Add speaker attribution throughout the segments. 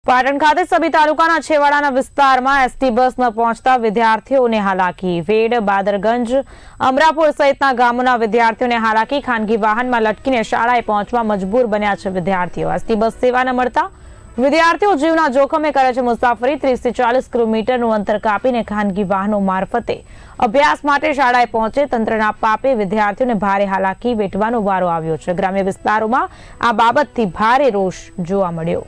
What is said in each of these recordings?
Speaker 1: પાટણ ખાતે સભી તાલુકાના છેવાડાના વિસ્તારમાં એસટી બસ ન પહોંચતા વિદ્યાર્થીઓને હાલાકી। વેડ, બાદરગંજ, અમરાપુર સહિતના ગામોના વિદ્યાર્થીઓને હાલાકી। ખાનગી વાહનમાં લટકીને શાળાએ પહોંચવા મજબૂર બન્યા છે વિદ્યાર્થીઓ। એસટી બસ સેવા ન મળતા વિદ્યાર્થીઓ જીવના જોખમે કરે છે મુસાફરી। 30 થી 40 કિલોમીટરનું અંતર કાપીને ખાનગી વાહનો મારફતે અભ્યાસ માટે શાળાએ પહોંચે તંત્રના પાપે વિદ્યાર્થીઓને ભારે હાલાકી વેઠવાનો વારો આવ્યો છે। ગ્રામ્ય વિસ્તારોમાં આ બાબતથી ભારે રોષ જોવા મળ્યો।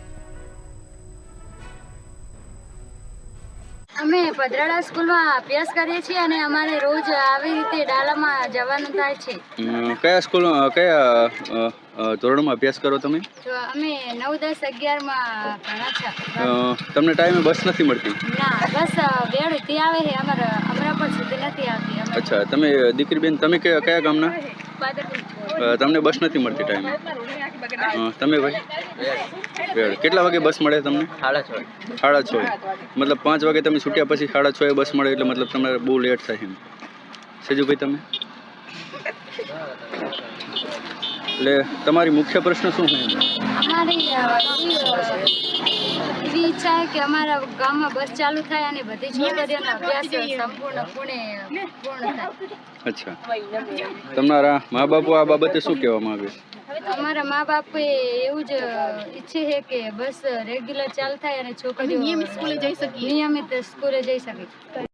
Speaker 2: અમે ભદ્રાડા સ્કૂલમાં અભ્યાસ કરીએ છીએ અને અમારે રોજ આવી રીતે ડાલામાં જવાનું થાય છે।
Speaker 3: કયા સ્કૂલ કયા ધોરણમાં અભ્યાસ કરો તમે?
Speaker 2: તો અમે 9, 10, 11 માં ભણા છે।
Speaker 3: તમને ટાઈમે બસ નથી મળતી?
Speaker 2: ના, બસ વેળથી આવે છે, અમારે અમરાપુર સુધી નથી આવતી।
Speaker 3: અચ્છા, તમે દીકરી બેન તમે કયા ગામના? તમને બસ નથી મળતી ટાઈમે? તમે ભાઈ વેળ કેટલા વાગે બસ મળે તમને? 6:30। મતલબ 5 વાગે તમે છૂટ્યા પછી 6:30 બસ મળે એટલે મતલબ તમારે બહુ લેટ થાય એમ। સેજુભાઈ તમે એટલે તમારી મુખ્ય પ્રશ્ન શું છે?
Speaker 2: અમારી એવી ઈચ્છા છે કે અમારા ગામમાં બસ ચાલુ થાય અને બધી છોકરીઓનો અભ્યાસ સંપૂર્ણ થાય।
Speaker 3: અચ્છા, તમારા મા બાપો આ બાબતે શું કહેવા માંગે?
Speaker 2: અમારા મા બાપે એવું જ ઈચ્છે છે કે બસ રેગ્યુલર ચાલુ થાય અને છોકરીઓ નિયમિત સ્કૂલે જઈ શકે।